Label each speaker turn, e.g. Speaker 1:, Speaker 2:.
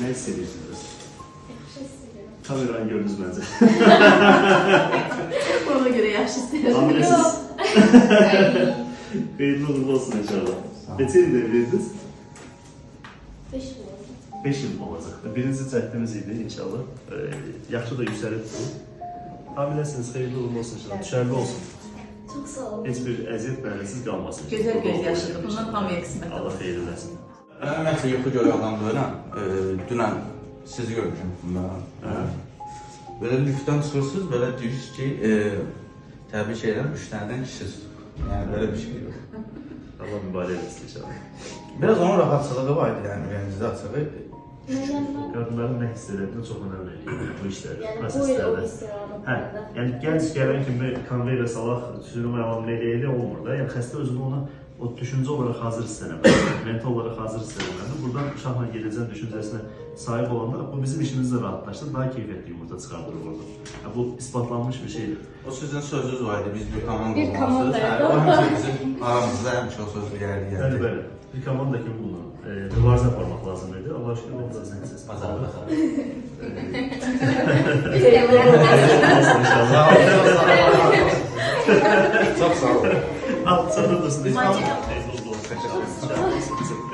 Speaker 1: Ne hissediyorsunuz?
Speaker 2: Yaxşı hissediyorum.
Speaker 1: Kamerayı gördünüz bence.
Speaker 2: Ona göre yaxşı hissediyorum.
Speaker 1: Hamilesiz. Hayırlı uğurlu olsun inşallah. Neçə ildə evliydiniz?
Speaker 2: 5 yıl oldu.
Speaker 1: 5 yıl olacaq. Birinci cəhdimiz idi inşallah. Yaxşı da yüksəlib bu. Hamiləsiniz, xeyirli uğurlu olsun inşallah. Düşərli olsun.
Speaker 2: Çok sağ olun.
Speaker 1: Heç bir əziyyət mənəsiz qalmasın.
Speaker 3: Gözəl göz yaşıdır. Bundan hamıya qismət olur.
Speaker 1: Allah xeyir eləsin.
Speaker 4: Ümumiyyətlə yuxu görən dönəm. Dünən sizi görmüşəm mən. Belə liftdən çıxırsınız, belə deyirsiniz ki, təbii ki, 3 dənədən kişisiz. Yəni belə bir şey yox.
Speaker 1: Allah mübarək etsin inşallah.
Speaker 4: Biraz onun rahatçılığı var idi, yəni ürəyinizdə açığı.
Speaker 2: Neden ben?
Speaker 1: Qadınların nə hiss etdiyini çox önəm verir bu işlərdə,
Speaker 2: Yani bu yıl o
Speaker 1: proseslərdə.
Speaker 2: istiyorlardı.
Speaker 1: Hə, yəni gənc gələn kimi konveyerə salaq, sürüm əlamlı elə olmur da. Yəni xəstə özünü ona o düşüncə olaraq hazır hiss eləməlidir, mental olaraq hazır hiss eləməlidir. Buradan uşaqla gedəcəm düşüncəsinə sahib olanda bu bizim işimizi də rahatlaşdır, daha keyfiyyətli yumurta çıxardır orada. Bu isbatlanmış bir şeydir.
Speaker 4: O sizin sözünüz var idi, biz bir komanda
Speaker 2: Bir komandayıq.
Speaker 4: O həmişə bizim aramızda həmişə o söz gəldi.
Speaker 1: Bəli, bəli. Bir komanda kimi bunu mübarizə aparmaq lazım idi. Allah şükür, ben sizin siz.
Speaker 4: Bazarda.
Speaker 1: İnşallah.
Speaker 4: Çox sağ olun.
Speaker 1: Al, sen de dursun.
Speaker 2: Maçı
Speaker 1: Teyze oldu.